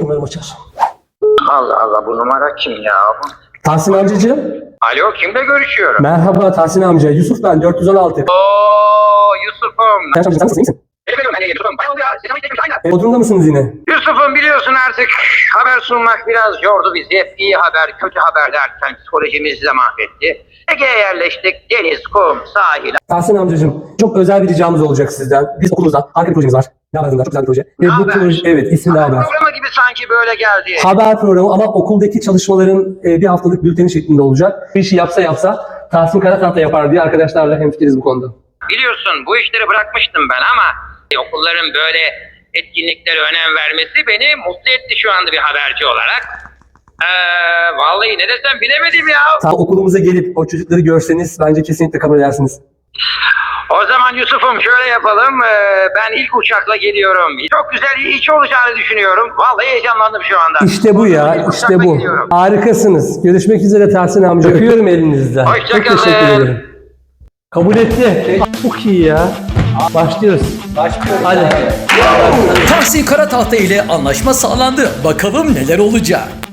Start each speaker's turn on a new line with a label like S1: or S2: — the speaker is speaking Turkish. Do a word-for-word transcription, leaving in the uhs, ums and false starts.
S1: Umarım açar.
S2: Allah Allah, bu numara kim ya?
S1: Tahsin amcacığım.
S2: Alo, kimle görüşüyorum?
S1: Merhaba Tahsin amca. Yusuf ben dört yüz on altı.
S2: Oo Yusuf'um.
S1: Tahsin amca sen nasılsın? İyi misin?
S2: Efendim hani Yusuf'um. Bayağı oldu ya. Sinema izlemiş aynen.
S1: Bodrum'da mısınız yine?
S2: Yusuf'um biliyorsun artık haber sunmak biraz yordu bizi. Hep iyi haber, kötü haber derken psikolojimizi de mahvetti. Ege'ye yerleştik. Deniz, kum, sahil.
S1: Tahsin amcacığım çok özel bir ricamız olacak sizden. Biz okulumuzda harika bir projemiz var. Ne haber bunlar? Çok güzel bir proje. Ve bu
S2: Haber.
S1: proje evet ismi ne haber?
S2: Programı gibi sanki böyle geldi.
S1: Haber programı ama okuldaki çalışmaların e, bir haftalık bülteni şeklinde olacak. Bu işi yapsa yapsa Tahsin Karatahta yapar diye arkadaşlarla hemfikiriz bu konuda.
S2: Biliyorsun bu işleri bırakmıştım ben ama okulların böyle etkinliklere önem vermesi beni mutlu etti şu anda bir haberci olarak. Ee, vallahi ne desem bilemedim ya.
S1: Ta okulumuza gelip o çocukları görseniz bence kesinlikle kabul edersiniz.
S2: O zaman Yusuf'um şöyle yapalım. Ee, ben ilk uçakla geliyorum. Çok güzel iş olacağını düşünüyorum. Vallahi heyecanlandım şu anda.
S1: İşte bu ya,
S2: İlk
S1: işte
S2: uçakla
S1: bu.
S2: gidiyorum.
S1: Harikasınız. Görüşmek üzere Tahsin amca. Öpüyorum elinizden. Çok
S2: Hoşçakalın.
S1: teşekkür ederim. Kabul etti. Çok iyi ya. Başlıyoruz. Başlıyoruz. Hadi.
S3: Tahsin Karatahta ile anlaşma sağlandı. Bakalım neler olacak.